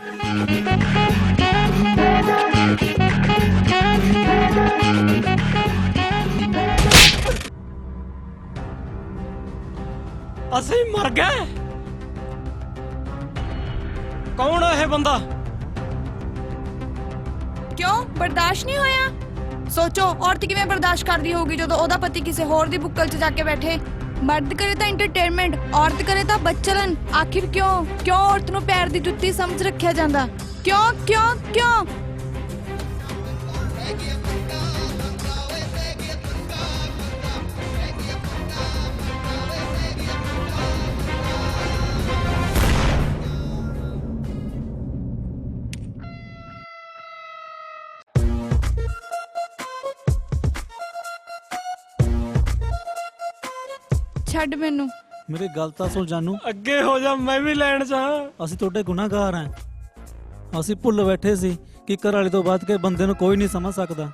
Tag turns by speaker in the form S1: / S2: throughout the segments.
S1: ਅਸੀਂ ਮਰ ਗਏ। ਕੌਣ ਹੈ ਇਹ ਬੰਦਾ?
S2: ਕਿਉਂ ਬਰਦਾਸ਼ਤ ਨਹੀਂ ਹੋਇਆ? ਸੋਚੋ ਔਰਤ ਕਿਵੇਂ ਬਰਦਾਸ਼ਤ ਕਰਦੀ ਹੋਊਗੀ ਜਦੋਂ ਉਹਦਾ ਪਤੀ ਕਿਸੇ ਹੋਰ ਦੀ ਬੁੱਕਲ 'ਚ ਜਾ ਕੇ ਬੈਠੇ। ਮਰਦ ਕਰੇ ਤਾਂ ਐਂਟਰਟੇਨਮੈਂਟ, ਔਰਤ ਕਰੇ ਤਾਂ ਬੱਚਲਨ। ਆਖਿਰ ਕਿਉਂ ਔਰਤ ਨੂੰ ਪੈਰ ਦੀ ਜੁੱਤੀ ਸਮਝ ਰੱਖਿਆ ਜਾਂਦਾ? ਕਿਉਂ? ਛੱਡ ਮੈਨੂੰ।
S3: ਮੇਰੀ ਗੱਲ ਤਾਂ ਸੁਣ ਜਾਨੂ।
S1: ਅੱਗੇ ਹੋ ਜਾ, ਮੈਂ ਵੀ ਲੈਣ ਚ ਹਾਂ।
S3: ਅਸੀਂ ਤੁਹਾਡੇ ਗੁਨਾਹਗਾਰ ਹਾਂ। ਅਸੀਂ ਭੁੱਲ ਬੈਠੇ ਸੀ ਕਿ ਘਰ ਵਾਲੇ ਤੋਂ ਬਾਅਦ ਕੇ ਬੰਦੇ ਨੂੰ ਕੋਈ ਨਹੀਂ ਸਮਝ ਸਕਦਾ।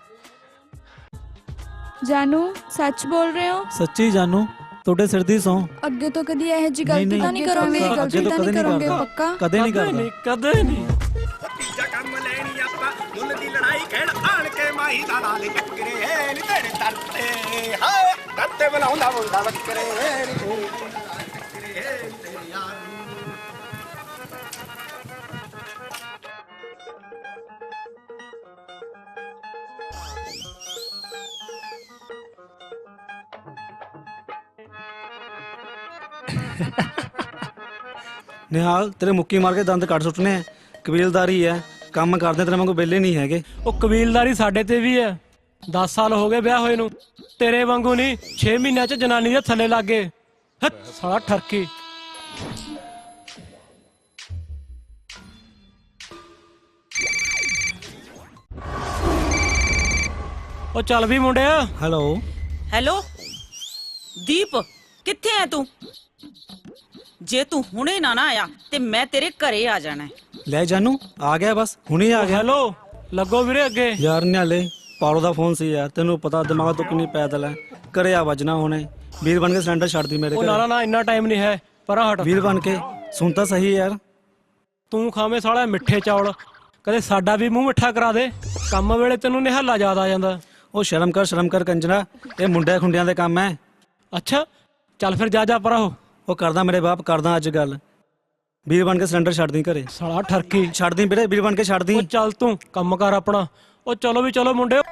S2: ਜਾਨੂ ਸੱਚ ਬੋਲ ਰਹੇ ਹੋ?
S3: ਸੱਚੀ ਜਾਨੂ, ਤੁਹਾਡੇ ਸਿਰ ਦੀ ਸੌਂ।
S2: ਅੱਗੇ ਤੋਂ ਕਦੀ ਇਹੋ ਜਿਹੀ ਗਲਤੀ ਤਾਂ ਨਹੀਂ ਕਰੋਗੇ?
S3: ਅੱਗੇ ਤੋਂ ਕਦੇ ਨਹੀਂ ਕਰਦਾ।
S2: ਪੱਕਾ?
S3: ਕਦੇ ਨਹੀਂ ਕਰਦਾ।
S1: ਕਦੇ ਨਹੀਂ।
S4: ਤੀਜਾ ਕੰਮ ਲੈਣੀ ਆਪਾਂ ਮੁੱਲ ਦੀ ਲੜਾਈ ਖੇਡ ਆਣ ਕੇ ਮਾਹੀ ਦਾ ਨਾਲ ਟੱਕਰੇ ਨੀ ਤੇਰੇ ਦਰ ਤੇ ਹਾਏ ਕੱਤੇ ਬਣਾਉਂਦਾ ਮੁੰਡਾ ਬੱਕਰੇ ਨੀ ਤੇਰੇ ਤੇਰੇ ਯਾਰ
S3: ਨਿਹਾਲ, ਤੇਰੇ ਮੁੱਕੀ ਮਾਰ ਕੇ ਦੰਦ ਕੱਢ ਸੁੱਟਨੇ ਆ। ਕਬੀਲਦਾਰੀ ਹੈ, ਕੰਮ ਕਰਦੇ ਤੇਰੇ ਵਾਂਗੂ ਵਿਹਲੇ ਨਹੀਂ ਹੈਗੇ।
S1: ਉਹ ਕਬੀਲਦਾਰੀ ਸਾਡੇ ਤੇ ਵੀ ਹੈ। 10 ਸਾਲ ਹੋ ਗਏ ਵਿਆਹ ਹੋਏ ਨੂੰ, ਤੇਰੇ ਵਾਂਗੂ ਨਹੀਂ। 6 ਮਹੀਨਿਆਂ ਚ ਜਨਾਨੀ ਦੇ ਥੱਲੇ ਲੱਗ ਗਏ। ਸਾਲਾ ਠਰਕੀ। ਉਹ ਚੱਲ ਵੀ ਮੁੰਡਿਆ।
S3: ਹੈਲੋ
S5: ਹੈਲੋ ਦੀਪ, ਕਿੱਥੇ ਐ ਤੂੰ? ਜੇ ਤੂੰ ਹੁਣੇ ਨਾ ਆਇਆ ਤੇ ਮੈਂ ਤੇਰੇ ਘਰੇ ਆ ਜਾਣਾ।
S3: ਲੈ ਜਾਨੂ, ਆ ਗਿਆ ਬਸ, ਹੁਣੇ ਆ ਗਿਆ।
S1: ਹੈਲੋ, ਲੱਗੋ ਵੀਰੇ ਅੱਗੇ।
S3: ਯਾਰ ਨਿਹਾਲੇ, ਪਾਰੋ ਦਾ ਫੋਨ ਸੀ ਯਾਰ, ਤੈਨੂੰ ਪਤਾ ਦਿਮਾਗ ਤੋਂ ਕਿੰਨੀ ਪੈਦਲ ਹੈ। ਘਰੇ ਆ ਵੱਜਣਾ ਹੁਣੇ। ਵੀਰ ਬਣ ਕੇ ਸਿਲੰਡਰ ਛੱਡ ਦੀ ਮੇਰੇ
S1: ਉਹ
S3: ਘਰੇ।
S1: ਨਾ ਇੰਨਾ ਟਾਈਮ ਨਹੀਂ ਹੈ, ਪਰਾਂ ਹਟ।
S3: ਵੀਰ ਬਣ ਕੇ ਸੁਣ ਤਾਂ ਸਹੀ ਯਾਰ।
S1: ਤੂੰ ਖਾਵੇਂ ਸਾਲਾ ਮਿੱਠੇ ਚੌਲ, ਕਦੇ ਸਾਡਾ ਵੀ ਮੂੰਹ ਮਿੱਠਾ ਕਰਾ ਦੇ। ਕੰਮ ਵੇਲੇ ਤੈਨੂੰ ਨਿਹਾਲਾ ਯਾਦ ਆ ਜਾਂਦਾ।
S3: ਉਹ ਸ਼ਰਮ ਕਰ ਕੰਜਰਾ, ਇਹ ਮੁੰਡਿਆਂ ਖੁੰਡਿਆਂ ਦੇ ਕੰਮ ਹੈ।
S1: ਅੱਛਾ ਚੱਲ ਫਿਰ ਜਾ ਪਰਾਂ ਹੋ।
S3: ਉਹ ਕਰਦਾ ਮੇਰੇ ਬਾਪ, ਕਰਦਾ ਅੱਜ ਗੱਲ। ਵੀਰ ਬਣ ਕੇ ਸਿਲੰਡਰ ਛੱਡ ਦੀ ਘਰੇ।
S1: ਸਾਲਾ ਠਰਕੀ।
S3: ਛੱਡ ਦੀ ਵੀਰੇ, ਵੀਰ ਬਣ ਕੇ ਛੱਡ ਦੀ।
S1: ਉਹ ਚੱਲ ਤੂੰ ਕੰਮ ਕਰ ਆਪਣਾ। ਉਹ ਚਲੋ ਵੀ ਚਲੋ ਮੁੰਡੇ।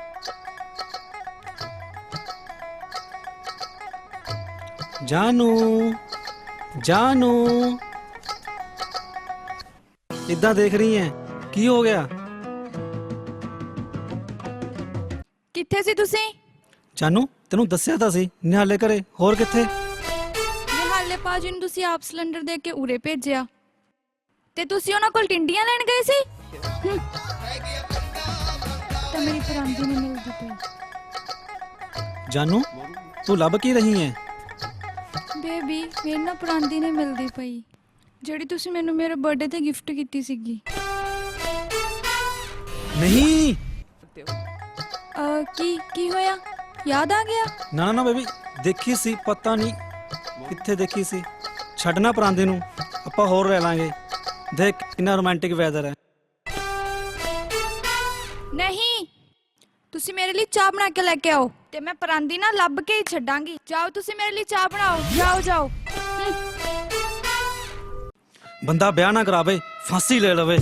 S3: ਜਾਨੂ ਇਦਾਂ ਦੇਖ ਰਹੀ ਹੈ, ਕੀ ਹੋ ਗਿਆ?
S2: ਕਿੱਥੇ ਸੀ ਤੁਸੀਂ?
S3: ਜਾਨੂ, ਤੈਨੂੰ ਦੱਸਿਆ ਤਾਂ ਸੀ ਨਿਹਾਲੇ ਘਰੇ, ਹੋਰ ਕਿੱਥੇ?
S2: ਨਿਹਾਲੇ ਪਾਜੀ ਨੂੰ ਤੁਸੀਂ ਆਪ ਸਿਲੰਡਰ ਦੇ ਕੇ ਉਰੇ ਭੇਜਿਆ ਤੇ ਤੁਸੀਂ ਉਹਨਾਂ ਕੋਲ ਟਿੰਡੀਆਂ ਲੈਣ ਗਏ ਸੀ। ਤਾਂ ਮੇਰੀ ਪਰਾਂਦੀ ਨੇ ਮਿਲਦੀ ਪਈ।
S3: ਜਾਨੂ, ਤੂੰ ਲੱਭ ਕੀ ਰਹੀ ਹੈ?
S2: ਬੇਬੀ, ਮੇਰੇ ਨਾਲ ਪਰਾਂਦੀ ਨੇ ਮਿਲਦੀ ਪਈ, ਜਿਹੜੀ ਤੁਸੀਂ ਮੈਨੂੰ ਮੇਰੇ ਬਰਥਡੇ ਤੇ ਗਿਫਟ ਕੀਤੀ ਸੀਗੀ।
S3: ਨਹੀਂ।
S2: ਕੀ ਹੋਇਆ? ਯਾਦ ਆ ਗਿਆ?
S3: ਨਾ ਬੇਬੀ, ਦੇਖੀ ਸੀ, ਪਤਾ ਨਹੀਂ ਕਿੱਥੇ ਦੇਖੀ ਸੀ। ਛੱਡਣਾ ਪਰਾਂਦੇ ਨੂੰ, ਆਪਾਂ ਹੋਰ ਰਹਿ ਲਾਂਗੇ। ਦੇਖ ਕਿੰਨਾ ਰੋਮਾਂਟਿਕ ਵੈਦਰ ਹੈ।
S2: ਨਹੀਂ, ਤੁਸੀਂ ਮੇਰੇ ਲਈ ਚਾਹ ਬਣਾ ਕੇ ਲੈ ਕੇ ਆਓ ਤੇ ਮੈਂ ਪਰਾਂਦੀ ਨਾਲ ਲੱਭ ਕੇ ਹੀ ਛੱਡਾਂਗੀ। ਜਾਓ, ਤੁਸੀਂ ਮੇਰੇ ਲਈ ਚਾਹ ਬਣਾਓ। ਜਾਓ।
S3: ਬੰਦਾ ਵਿਆਹ ਨਾ ਕਰਾਵੇ, ਫਾਂਸੀ ਲੈ ਲਵੇ।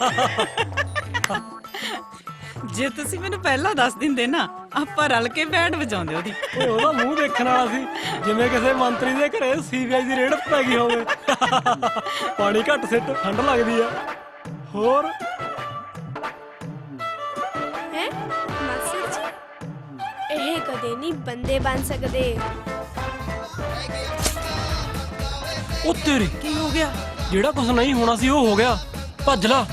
S5: ਜੇ ਤੁਸੀਂ ਮੈਨੂੰ ਪਹਿਲਾਂ ਦੱਸ ਦਿੰਦੇ ਨਾ, ਆਪਾਂ ਰਲ ਕੇ ਬੈਂਡ ਵਜਾਉਂਦੇ ਉਹਦੀ।
S1: ਉਹਦਾ ਮੂੰਹ ਦੇਖਣ ਵਾਲਾ ਸੀ, ਜਿਵੇਂ ਕਿਸੇ ਮੰਤਰੀ ਦੇ ਘਰੇ ਸੀਬੀਆਈ ਦੀ ਰੇਡ ਪੈ ਗਈ ਹੋਵੇ। ਪਾਣੀ ਘੱਟ ਸਿੱਟ, ਠੰਡ ਲੱਗਦੀ ਆ। ਹੋਰ
S6: ਹੈ ਮਾਸਟਰ ਜੀ, ਇਹ ਕਦੇ ਨਹੀਂ ਬੰਦੇ ਬਣ ਸਕਦੇ।
S1: ਉਹ ਤੇਰੀ,
S5: ਕੀ ਹੋ ਗਿਆ?
S1: ਜਿਹੜਾ ਕੁਝ ਨਹੀਂ ਹੋਣਾ ਸੀ ਉਹ ਹੋ ਗਿਆ। ਭੱਜ ਲਾ।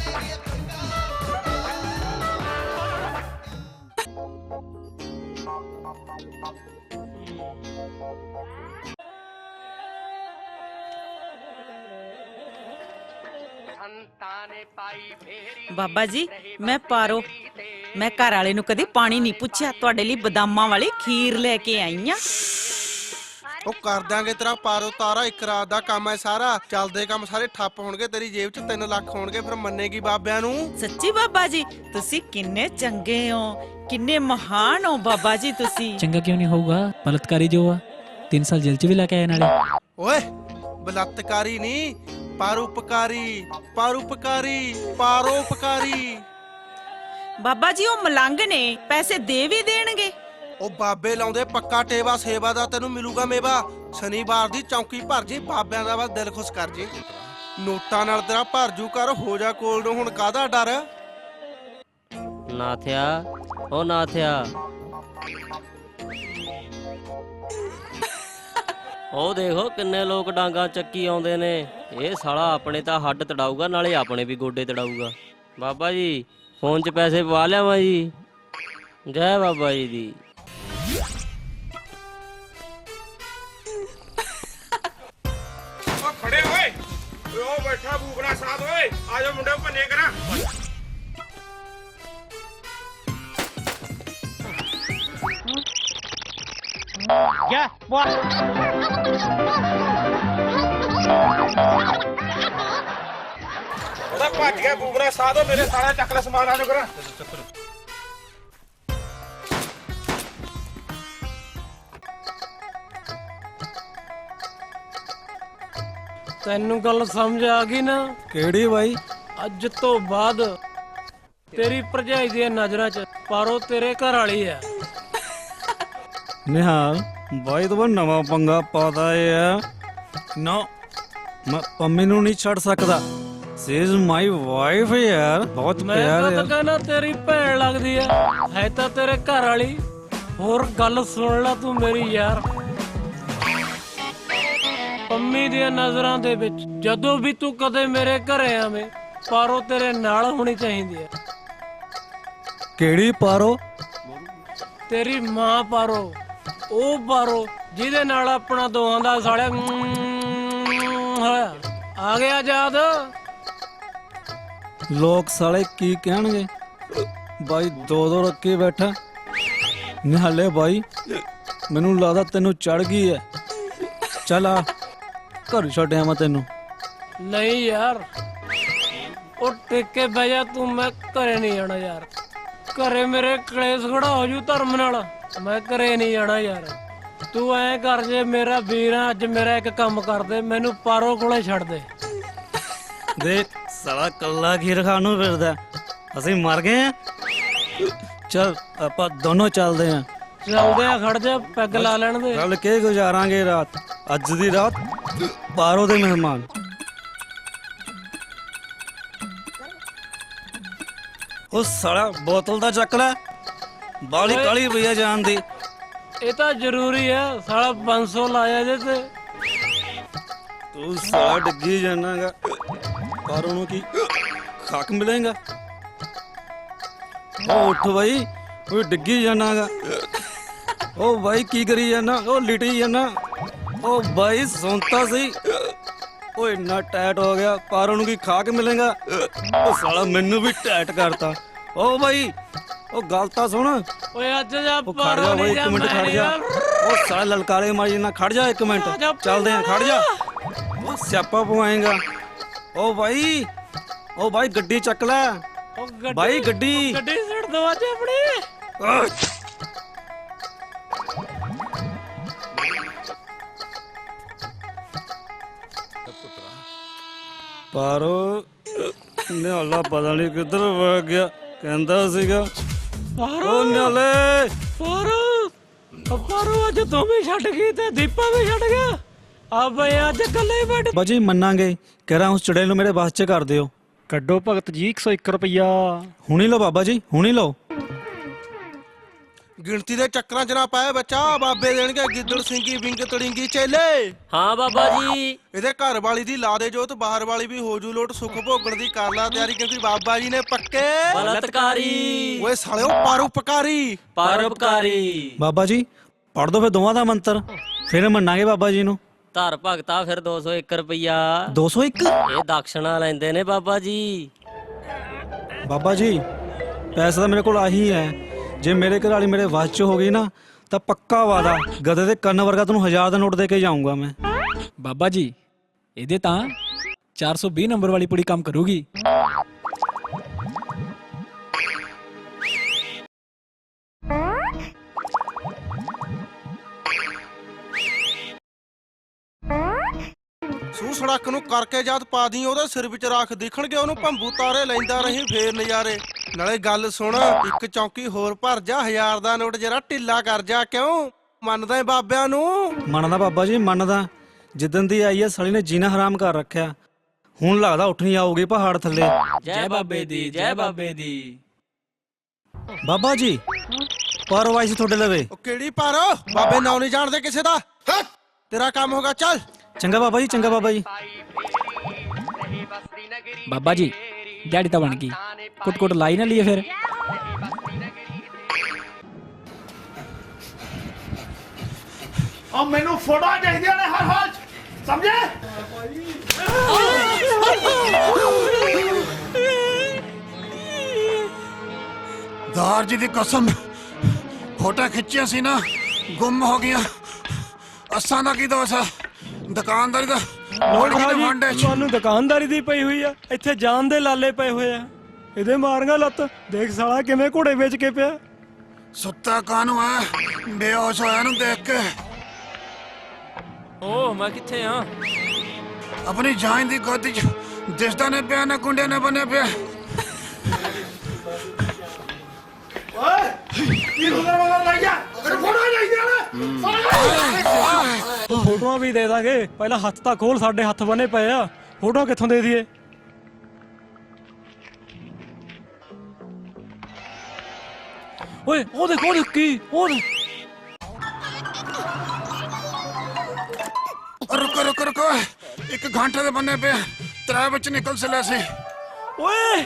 S5: ਬਾਬਾ ਜੀ, ਮੈਂ ਪਾਰੋ। ਮੈਂ ਘਰ ਵਾਲੇ ਨੂੰ ਕਦੇ ਪਾਣੀ ਨਹੀਂ ਪੁੱਛਿਆ, ਤੁਹਾਡੇ ਲਈ ਬਦਾਮਾਂ ਵਾਲੀ ਖੀਰ ਲੈ ਕੇ ਆਈ ਆ।
S7: ਉਹ ਕਰ ਦਾਂਗੇ ਤੇਰਾ ਪਾਰੋ ਤਾਰਾ, ਇੱਕ ਰਾਤ ਦਾ ਕੰਮ ਐ ਸਾਰਾ। ਚੱਲਦੇ ਕੰਮ ਸਾਰੇ ਠੱਪ ਹੋਣਗੇ, ਤੇਰੀ ਜੇਬ 'ਚ 3 ਲੱਖ ਹੋਣਗੇ, ਫਿਰ ਮੰਨੇਗੀ ਬਾਬਿਆਂ ਨੂੰ।
S5: ਸੱਚੀ ਬਾਬਾ ਜੀ ਤੁਸੀਂ ਕਿੰਨੇ ਚੰਗੇ ਹੋ, ਕਿੰਨੇ ਮਹਾਨ ਹੋ ਬਾਬਾ ਜੀ ਤੁਸੀਂ।
S8: ਚੰਗਾ ਕਿਉਂ ਨਹੀਂ ਹੋਊਗਾ? ਬਲਤਕਾਰੀ ਜੋ ਆ 3 ਸਾਲ ਜੇਲ੍ਹ 'ਚ ਵੀ ਲਾ ਕੇ ਆਏ ਨਾਲੇ।
S7: ਓਏ ਬਲਾਤਕਾਰੀ ਨਹੀਂ, ਪਰਉਪਕਾਰੀ, ਪਰਉਪਕਾਰੀ, ਪਰਉਪਕਾਰੀ।
S5: ਬਾਬਾ ਜੀ ਉਹ ਮਲੰਗ ਨੇ, ਪੈਸੇ ਦੇ ਵੀ ਦੇਣਗੇ।
S7: ਉਹ ਬਾਬੇ ਲਾਉਂਦੇ ਪੱਕਾ ਟੇਵਾ, ਸੇਵਾ ਦਾ ਤੈਨੂੰ ਮਿਲੂਗਾ ਮੇਵਾ। ਸ਼ਨੀਵਾਰ ਦੀ ਚੌਂਕੀ ਭਰ ਜੀ, ਬਾਬਿਆਂ ਦਾ ਬਸ ਦਿਲ ਖੁਸ਼ ਕਰ ਜੀ। ਨੋਟਾਂ ਨਾਲ ਤੇਰਾ ਭਰ ਜੂ ਕਰ, ਹੋ ਜਾ ਕੋਲ ਨੂੰ, ਹੁਣ ਕਾਹਦਾ ਡਰ।
S9: ਨਾਥਿਆ, ਉਹ ਨਾਥਿਆ, ਉਹ ਦੇਖੋ ਕਿੰਨੇ ਲੋਕ ਡਾਂਗਾ ਚੱਕੀ ਆਉਂਦੇ ਨੇ। ਇਹ ਸਾਲਾ ਆਪਣੇ ਤਾਂ ਹੱਡ ਤੜਾਊਗਾ, ਨਾਲੇ ਆਪਣੇ ਵੀ ਗੋਡੇ ਤੜਾਊਗਾ। ਬਾਬਾ ਜੀ ਫੋਨ 'ਚ ਪੈਸੇ ਪਵਾ ਲਿਆਵਾਂ ਜੀ। ਜੈ ਬਾਬਾ ਜੀ ਦੀ।
S4: ਉਹ ਖੜੇ ਓਏ, ਉਹ ਬੈਠਾ ਬੂਕਣਾ ਸਾਧ ਓਏ, ਆ ਜਾ ਮੁੰਡੇ ਭੰਨੇ ਕਰਾਂ। ਉਹਦਾ ਭੱਜ ਗਿਆ ਬੂਕਣਾ ਸਾਧੋ, ਮੇਰੇ ਸਾਰਾ ਚੱਕ ਲੈ ਸਮਾਨ ਆ ਜਾ ਕਰਾਂ।
S1: ਤੈਨੂੰ ਗੱਲ ਸਮਝ ਆ ਗਈ ਨਾ?
S3: ਕਿਹੜੀ ਬਾਈ?
S1: ਅੱਜ ਤੋਂ ਬਾਅਦ ਤੇਰੀ ਭਰਜਾਈ ਦੀਆਂ ਨਜ਼ਰਾਂ 'ਚ ਪਾਰੋ ਤੇਰੇ ਘਰ ਵਾਲੀ ਆ।
S3: ਨਿਹਾਲ ਬਾਈ ਤੋਂ ਨਵਾਂ ਪੰਗਾ ਪਾਦਾ ਹੈ ਨਾ। ਮੈਂ ਪੰਮੀ ਨੂੰ ਨਹੀਂ ਛੱਡ ਸਕਦਾ। ਸੀ ਇਜ਼ ਮਾਈ ਵਾਈਫ ਯਾਰ, ਬਹੁਤ
S1: ਮੈਂ
S3: ਪਿਆਰ
S1: ਤਾਂ
S3: ਯਾਰ।
S1: ਕਹਿੰਦਾ ਤੇਰੀ ਭੈਣ ਲੱਗਦੀ ਆ, ਹੈ ਤਾਂ ਤੇਰੇ ਘਰ ਵਾਲੀ। ਹੋਰ ਗੱਲ ਸੁਣ ਲੈ ਤੂੰ ਮੇਰੀ ਯਾਰ, ਪੰਮੀ ਦੀਆਂ ਨਜ਼ਰਾਂ ਦੇ ਵਿੱਚ ਜਦੋਂ ਵੀ ਤੂੰ ਕਦੇ ਮੇਰੇ ਘਰੇ ਆਵੇਂ, ਪਾਰੋ ਤੇਰੇ ਨਾਲ ਹੋਣੀ ਚਾਹੀਦੀ ਹੈ।
S3: ਕਿਹੜੀ ਪਾਰੋ?
S1: ਤੇਰੀ ਮਾਂ ਪਾਰੋ, ਉਹ ਪਾਰੋ ਜਿਹਦੇ ਨਾਲ ਆਪਣਾ ਦੋਹਾਂ ਦਾ ਸਾਲਿਆ ਹੋਇਆ। ਆ ਗਿਆ ਯਾਦ?
S3: ਲੋਕ ਸਾਲੇ ਕੀ ਕਹਿਣਗੇ? ਬਾਈ ਦੋ ਰੱਖੇ ਬੈਠਾ। ਨਿਹਾਲੇ ਬਾਈ ਮੈਨੂੰ ਲੱਗਦਾ ਤੈਨੂੰ ਚੜ ਗਈ ਹੈ। ਚੱਲ ਆ ਘਰ ਛੱਡਿਆ ਮੈਂ ਤੈਨੂੰ।
S1: ਨਹੀਂ ਯਾਰ, ਉਹ ਟਿੱਕੇ ਬਹਿ ਜਾ ਤੂੰ, ਮੈਂ ਘਰੇ ਨਹੀਂ ਜਾਣਾ ਯਾਰ। ਘਰੇ ਮੇਰੇ ਕਲੇਸ਼ ਖੜਾ ਹੋ ਜੂ ਧਰਮ ਨਾਲ, ਮੈਂ ਘਰੇ ਨਹੀਂ ਜਾਣਾ ਯਾਰ। ਤੂੰ ਐ ਕਰ, ਜੇ ਮੇਰਾ ਵੀਰ ਆ, ਅੱਜ ਮੇਰਾ ਇੱਕ ਕੰਮ ਕਰ ਦੇ, ਮੈਨੂੰ ਪਾਰੋ ਕੋਲੇ ਛੱਡ ਦੇ।
S3: ਦੇਖ ਸਾਲਾ ਕੱਲਾ ਖੀਰ ਖਾਣ ਨੂੰ ਫਿਰਦਾ, ਅਸੀਂ ਮਰ ਗਏ ਆ। ਚੱਲ ਆਪਾਂ ਦੋਨੋਂ ਚੱਲਦੇ ਆ।
S1: ਚੱਲਦੇ ਆ, ਖੜ ਜਾ, ਪੈਗ ਲਾ ਲੈਣ ਦੇ।
S3: ਰਲ ਕੇ ਗੁਜ਼ਾਰਾਂਗੇ ਰਾਤ, ਅੱਜ ਦੀ ਰਾਤ ਪਾਰੋ ਦੇ ਮਹਿਮਾਨ। ਉਹ ਸਾਲਾ ਬੋਤਲ ਦਾ ਚੱਕ ਲੈ, ਬਾਲੀ ਕਾਲੀ ਪਈਆ ਜਾਣ ਦੀ।
S1: ਇਹ ਤਾਂ ਜ਼ਰੂਰੀ ਆ, ਸਾਲਾ 500 ਲਾਇਆ ਜੇ ਤੇ।
S3: ਤੂੰ ਸਾਲਾ ਡਿੱਗੀ ਜਾਣਾਗਾ, ਪਾਰੋ ਨੂੰ ਕੀ ਖਾਕ ਮਿਲੇਗਾ? ਉਹ ਉੱਠ ਬਾਈ, ਉਹ ਡਿੱਗੀ ਜਾਣਾਗਾ। ਉਹ ਬਾਈ ਕੀ ਕਰੀ ਜਾਣਾ? ਉਹ ਲਿਟੀ ਜਾਣਾ। ਉਹ ਬਾਈ ਸੁਣਤਾ ਸੀ, ਉਹ ਇੰਨਾ ਟਾਈਟ ਹੋ ਗਿਆ, ਪਾਰੋ ਨੂੰ ਕੀ ਖਾਕ ਮਿਲੇਗਾ? ਉਹ ਸਾਲਾ ਮੈਨੂੰ ਵੀ ਟਾਈਟ ਕਰਤਾ। ਉਹ ਬਾਈ ਉਹ ਗੱਲ ਤਾਂ ਸੁਣ।
S1: ਓਏ ਅੱਜ ਜਾ
S3: ਉਹ ਖੜ ਜਾ ਬਾਈ, ਇੱਕ ਮਿੰਟ ਖੜ ਜਾ। ਉਹ ਸਾਲਾ ਲਲਕਾਰੇ ਮਾਰੀ ਨਾ, ਖੜ ਜਾ ਇੱਕ ਮਿੰਟ, ਚੱਲਦੇ ਆ, ਖੜ ਜਾ। ਉਹ ਸਿਆਪਾ ਪਵਾਏਗਾ। ਉਹ ਬਾਈ, ਉਹ ਬਾਈ ਗੱਡੀ ਚੱਕ ਲੈ ਬਾਈ, ਗੱਡੀ
S1: ਸਿੱਟ ਦੋ ਅੱਜ ਆਪਣੀ।
S3: ਪਾਰੋ ਨਿਹਾਲਾ ਪਤਾ ਨਹੀਂ ਕਿੱਧਰ ਵਗ ਗਿਆ, ਕਹਿੰਦਾ ਸੀਗਾ। ਉਹ ਨਿਹਾਲੇ
S1: ਪਾਰੋ ਅੱਜ ਤੂੰ ਵੀ ਛੱਡ ਗਈ ਤੇ ਦੀਪਾ ਵੀ ਛੱਡ ਗਿਆ। ਆ ਬਈ ਅੱਜ ਇਕੱਲੇ ਹੀ ਬੈਠ।
S3: ਬਾਜੀ ਮੰਨਾਂਗੇ, ਕਹਿ ਰਹਾ ਉਸ ਚੁੜੇਲ ਨੂੰ ਮੇਰੇ ਵਾਸ ਚ ਕਰ ਦਿਓ।
S1: ਕੱਢੋ ਭਗਤ ਜੀ 101 ਰੁਪਇਆ।
S3: ਹੁਣੀ ਲਓ ਬਾਬਾ ਜੀ, ਹੁਣੀ ਲਓ।
S7: ਗਿਣਤੀ ਦੇ ਚੱਕਰਾਂ 'ਚ ਨਾ ਪਾਏ ਬੱਚਾ, ਬਾਬੇ ਦੇਣਗੇ ਗਿੱਦੜ ਸਿੰਘੀ ਵਿੰਗ ਤੜਿੰਗੀ ਚੇਲੇ।
S9: ਹਾਂ ਬਾਬਾ ਜੀ।
S7: ਇਹਦੇ ਘਰ ਵਾਲੀ ਦੀ ਲਾ ਦੇ ਜੋਤ, ਬਾਹਰ ਵਾਲੀ ਵੀ ਹੋ ਜੂ ਲੋਟ, ਸੁੱਖ ਭੋਗਣ ਦੀ ਕਰ ਲਾ ਤਿਆਰੀ, ਕਿਉਂਕਿ ਬਾਬਾ ਜੀ ਨੇ ਪੱਕੇ
S9: ਬਲਤਕਾਰੀ,
S7: ਓਏ ਸਾਲਿਓ ਪਰਉਪਕਾਰੀ।
S9: ਪਰਉਪਕਾਰੀ।
S3: ਬਾਬਾ ਜੀ ਪੜ ਦੋ ਫਿਰ ਦੋਵਾਂ ਦਾ ਮੰਤਰ, ਫਿਰ ਮੰਨਾਂਗੇ ਬਾਬਾ ਜੀ ਨੂੰ।
S9: ਧਰ ਭਗਤਾ ਫਿਰ 201 ਰੁਪਇਆ।
S3: 201?
S9: ਇਹ ਦਕਸ਼ਣਾ ਲੈਂਦੇ ਨੇ ਬਾਬਾ ਜੀ।
S3: ਬਾਬਾ ਜੀ ਪੈਸਾ ਤਾਂ ਮੇਰੇ ਕੋਲ ਆਹੀ ਹੈ, ਜੇ ਮੇਰੇ ਘਰ ਵਾਲੀ ਮੇਰੇ ਵਾਸ ਚ ਹੋ ਗਈ ਨਾ ਤਾਂ ਪੱਕਾ ਵਾਦਾ ਗਧੇ ਦੇ ਕੰਨ ਵਰਗਾ ਤੈਨੂੰ 1000 ਦਾ ਨੋਟ ਦੇ ਕੇ ਜਾਊਂਗਾ ਮੈਂ।
S8: ਬਾਬਾ ਜੀ ਇਹਦੇ ਤਾਂ 420 ਨੰਬਰ ਵਾਲੀ ਪੁੜੀ ਕੰਮ ਕਰੂਗੀ।
S7: ਸੂ ਸੜਕ ਨੂੰ ਕਰਕੇ ਜਦ ਪਾ ਦੀ ਉਹਦੇ ਸਿਰ ਵਿੱਚ ਰੱਖ ਦਿਖਣਗੇ ਉਹਨੂੰ ਭੰਬੂ ਤਾਰੇ ਲੈਂਦਾ ਰਹੀ ਫੇਰ ਨਜ਼ਾਰੇ। ਨਾਲੇ ਗੱਲ ਸੁਣ, ਇੱਕ ਚੌਂਕੀ ਹੋਰ ਭਰ ਜਾ, 1000 ਦਾ ਨੋਟ ਜਰਾ ਢਿੱਲਾ ਕਰ ਜਾ। ਕਿਉਂ ਮੰਨਦਾ ਏ ਬਾਬਿਆਂ ਨੂੰ?
S3: ਮੰਨਦਾ ਬਾਬਾ ਜੀ ਮੰਨਦਾ। ਜਿੱਦਣ ਦੀ ਆਈ ਐ ਸਾਲੀ ਨੇ ਜੀਣਾ ਹਰਾਮ ਕਰ ਰੱਖਿਆ। ਹੁਣ ਲੱਗਦਾ ਉੱਠਣੀ ਆਊਗੀ ਪਹਾੜ ਥੱਲੇ।
S8: ਜੈ ਬਾਬੇ ਦੀ, ਜੈ ਬਾਬੇ ਦੀ।
S3: ਬਾਬਾ ਜੀ ਪਰ ਵਾਈ ਸੀ ਤੁਹਾਡੇ ਲਵੇ।
S7: ਉਹ ਕਿਹੜੀ ਪਰ? ਬਾਬੇ ਨਾਂ ਨਹੀਂ ਜਾਣਦੇ ਕਿਸੇ ਦਾ। ਹੱਟ! ਤੇਰਾ ਕੰਮ ਹੋਗਾ, ਚੱਲ।
S3: ਚੰਗਾ ਬਾਬਾ ਜੀ, ਚੰਗਾ ਬਾਬਾ ਜੀ।
S8: ਬਾਬਾ ਜੀ ਦਿਹਾੜੀ ਤਾਂ ਬਣ ਗਈ, ਕੁੱਟ ਕੁੱਟ ਲਾਈ ਨਾ ਲਈਏ ਫਿਰ।
S4: ਉਹ ਮੈਨੂੰ ਫੋਟੋਆਂ ਚਾਹੀਦੀਆਂ ਨੇ ਹਰ ਹਾਲ 'ਚ, ਸਮਝੇ?
S10: ਦਾਰ ਜੀ ਦੀ ਕਸਮ, ਫੋਟੋ ਖਿੱਚੀਆਂ ਸੀ ਨਾ, ਗੁੰਮ ਹੋ ਗਈਆਂ। ਅਸਾਂ ਦਾ ਕੀ ਦੋਸ਼ ਆ? ਦੁਕਾਨਦਾਰੀ ਦਾ
S1: ਤੁਹਾਨੂੰ ਦੁਕਾਨਦਾਰੀ ਦੀ ਪਈ ਹੋਈ ਆ, ਇੱਥੇ ਜਾਨ ਦੇ ਲਾਲੇ ਪਏ ਹੋਏ ਆ। ਇਹਦੇ ਮਾਰਾਂਗਾ ਲੱਤ। ਦੇਖ ਸਾਲਾ ਕਿਵੇਂ ਘੋੜੇ ਵੇਚ ਕੇ ਪਿਆ।
S10: ਸੁੱਤਾ ਕਾਹਨੂੰ ਆ? ਬੇਹੋਸ਼ ਹੋਇਆ ਨੂੰ ਦੇਖ ਕੇ।
S1: ਓਹ ਮੈਂ ਕਿੱਥੇ ਆ?
S10: ਆਪਣੀ ਜਾਨ ਦੀ ਗੋਦੀ 'ਚ ਦਿਸਦਾ ਨੇ ਪਿਆ ਨਾ ਗੁੰਡੇ ਨੇ ਬੰਨਿਆ ਪਿਆ।
S4: ਓਏ ਕੀ ਰੋਲਾ ਰੋਲਾ ਲਾਈ ਜਾ? ਮੈਨੂੰ ਫੋਟੋਆਂ ਚਾਹੀਦੀਆਂ ਨੇ।
S1: ਫੋਟੋਆਂ ਵੀ ਦੇ ਦਾਂਗੇ, ਪਹਿਲਾਂ ਹੱਥ ਤਾਂ ਖੋਲ, ਸਾਡੇ ਹੱਥ ਬਨੇ ਪਏ ਆ। ਫੋਟੋਆਂ ਕਿੱਥੋਂ ਦੇ ਦਈਏ? ਓਏ ਉਹ ਦੇਖ ਕੀ ਉਹ ਦੇਖ।
S10: ਰੁਕੋ ਰੁਕੋ ਰੁਕੋ, 1 ਘੰਟੇ ਦੇ ਬੰਨੇ ਪਿਆ, 3 ਵਿੱਚ ਨਿਕਲ ਚਲਿਆ ਸੀ।
S1: ਓਏ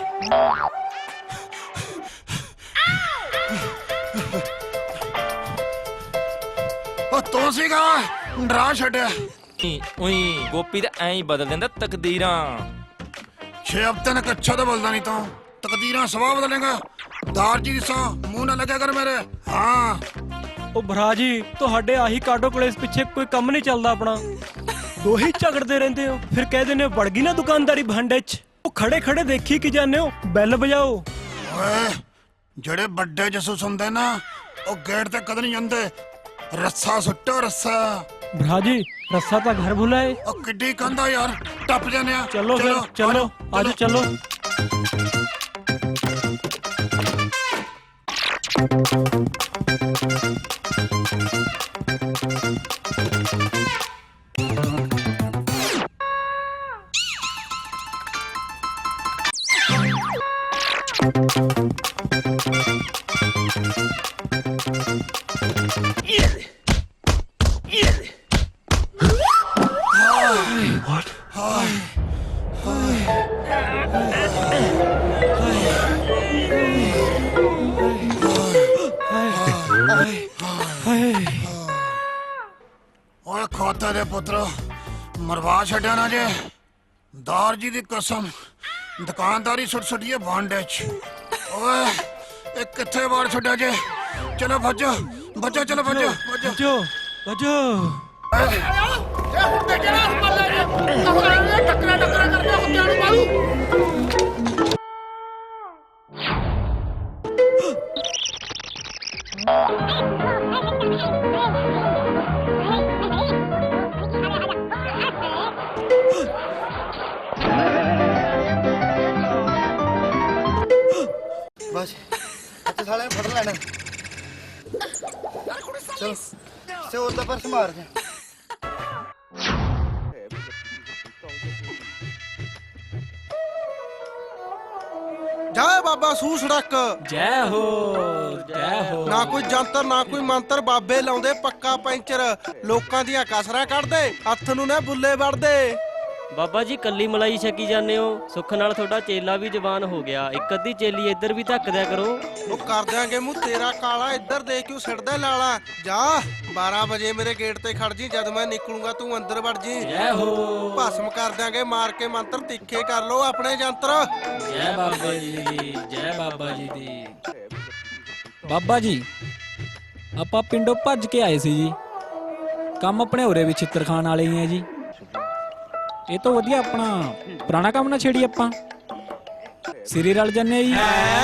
S10: ਉਹ ਤੂੰ ਸੀਗਾ, ਡਰਾ ਛੱਡਿਆ।
S11: ਉਹੀ ਗੋਪੀ ਤਾਂ ਐਂ ਹੀ ਬਦਲ ਦਿੰਦਾ ਤਕਦੀਰਾਂ।
S10: 6 ਹਫ਼ਤੇ ਨੇ ਕੱਛਾ ਤਾਂ ਬੋਲਦਾ ਨਹੀਂ ਤੂੰ, ਤਕਦੀਰਾਂ ਸਵਾਹ ਬਦਲੇਗਾ। ਦਾਰ ਜੀ ਸਾ ਮੂੰਹ ਨਾ ਲੱਗਿਆ ਕਰ ਮੇਰੇ। ਹਾਂ
S1: ਉਹ ਭਰਾ ਜੀ, ਤੁਹਾਡੇ ਆਹੀ ਕਾਡੋ ਕਲੇਸ ਪਿੱਛੇ ਕੋਈ ਕੰਮ ਨਹੀਂ ਚੱਲਦਾ ਆਪਣਾ। ਦੋਹੀ ਝਗੜਦੇ ਰਹਿੰਦੇ ਹੋ, ਫਿਰ ਕਹਿ ਦਿੰਦੇ ਹੋ ਵੜ ਗਈ ਨਾ ਦੁਕਾਨਦਾਰੀ ਭਾਂਡੇ 'ਚ। ਉਹ ਖੜੇ ਖੜੇ ਦੇਖੀ ਕੀ ਜਾਂਦੇ ਹੋ? ਬੈਲ ਵਜਾਓ।
S10: ਓਏ ਜਿਹੜੇ ਵੱਡੇ ਜਸੂਸ ਹੁੰਦੇ ਨਾ, ਉਹ ਗੇਟ ਤੇ ਕਦੇ ਨਹੀਂ ਜਾਂਦੇ। ਰੱਸਾ ਸੁੱਟੋ ਰੱਸਾ।
S1: ਭਰਾ ਜੀ ਰੱਸਾ ਤਾਂ ਘਰ ਭੁਲਾਏ।
S10: ਉਹ ਕਿੱਡੀ ਕੰਦਾ ਯਾਰ, ਟੱਪ ਜਾਂਦੇ ਆ।
S1: ਚਲੋ ਫਿਰ ਚਲੋ, ਆਜੋ ਚਲੋ।
S10: ਓਏ ਖੋਤੇ ਦੇ ਪੁੱਤਰੋ, ਮਰਵਾ ਛੱਡਿਆ ਨਾ ਜੇ। ਦਾਰ ਜੀ ਦੀ ਕਸਮ, ਦੁਕਾਨਦਾਰੀ ਸੁੱਟ ਸੁੱਟੀਏ ਭਾਂਡੇ 'ਚ। ਓਏ ਇਹ ਕਿੱਥੇ ਵਾੜ ਛੱਡਿਆ ਜੇ? ਚਲੋ ਭੱਜੋ ਭੱਜੋ, ਚਲੋ ਭੱਜੋ ਭੱਜੋ
S1: ਵਜੋ ਵਜੋ।
S4: ਇਹ ਹੁਣ ਤੇ ਕਿਹੜਾ ਹਮਲਾ ਜੇ? ਟੱਕਰਾ ਟੱਕਰਾ ਕਰਦੇ ਹੁੰਦਿਆਂ ਨੂੰ ਮਾਰੂ।
S10: ਬਸ ਇੱਥੇ ਸਾਲੇ ਫੜ ਲੈਣਾ। ਚਲ ਸੇ ਉਹਦਾ ਪਰਸ ਮਾਰ ਜਾ।
S7: ਜਾ ਬਾਬਾ ਸੂ ਸੜਕ।
S8: ਜੈ ਹੋ, ਜੈ ਹੋ।
S7: ਨਾ ਕੋਈ ਜੰਤਰ ਨਾ ਕੋਈ ਮੰਤਰ, ਬਾਬੇ ਲਾਉਂਦੇ ਪੱਕਾ ਪੈਂਚਰ। ਲੋਕਾਂ ਦੀਆਂ ਕਸਰਾਂ ਕੱਢਦੇ, ਹੱਥ ਨੂੰ ਨਾ ਬੁੱਲੇ ਵੜਦੇ।
S9: ਬਾਬਾ ਜੀ ਕੱਲੀ ਮਲਾਈ ਛਕੀ ਜਾਂਦੇ ਹੋ, ਸੁੱਖ ਨਾਲ ਤੁਹਾਡਾ ਚੇਲਾ ਵੀ ਜਵਾਨ ਹੋ ਗਿਆ। ਇੱਕ ਅੱਧੀ ਚੇਲੀ ਇੱਧਰ ਵੀ ਧੱਕ ਦਿਆ ਕਰੋ।
S7: ਉਹ ਕਰ ਦਿਆਂਗੇ ਮੂੰਹ ਤੇਰਾ ਕਾਲਾ, ਇੱਧਰ ਦੇਖ ਕਿਉਂ ਸਿੜਦਾ ਲਾਲਾ। ਜਾ 12 ਵਜੇ ਮੇਰੇ ਗੇਟ ਤੇ ਖੜ ਜੀ, ਜਦ ਮੈਂ ਨਿਕਲੂੰਗਾ ਤੂੰ ਅੰਦਰ ਵੜ ਜੀ।
S8: ਜੈ ਹੋ।
S7: ਭਸਮ ਕਰ ਦਿਆਂਗੇ ਮਾਰ ਕੇ ਮੰਤਰ, ਤਿੱਖੇ ਕਰ ਲੋ ਆਪਣੇ ਜੰਤਰ।
S8: ਜੈ ਬਾਬਾ ਜੀ ਦੀ, ਜੈ ਬਾਬਾ ਜੀ ਦੀ। ਬਾਬਾ ਜੀ ਆਪਾਂ ਪਿੰਡੋਂ ਭੱਜ ਕੇ ਆਏ ਸੀ ਜੀ। ਕੰਮ ਆਪਣੇ ਉਰੇ ਵੀ ਛਿੱਤਰ ਖਾਣ ਵਾਲੇ ਹੀ ਆ ਜੀ। ਇਹ ਤੋਂ ਵਧੀਆ ਆਪਣਾ ਪੁਰਾਣਾ ਕੰਮ ਨਾ ਛੇੜੀ ਆਪਾਂ, ਸਿਰੇ ਰਲ ਜੰਨੇ ਜੀ।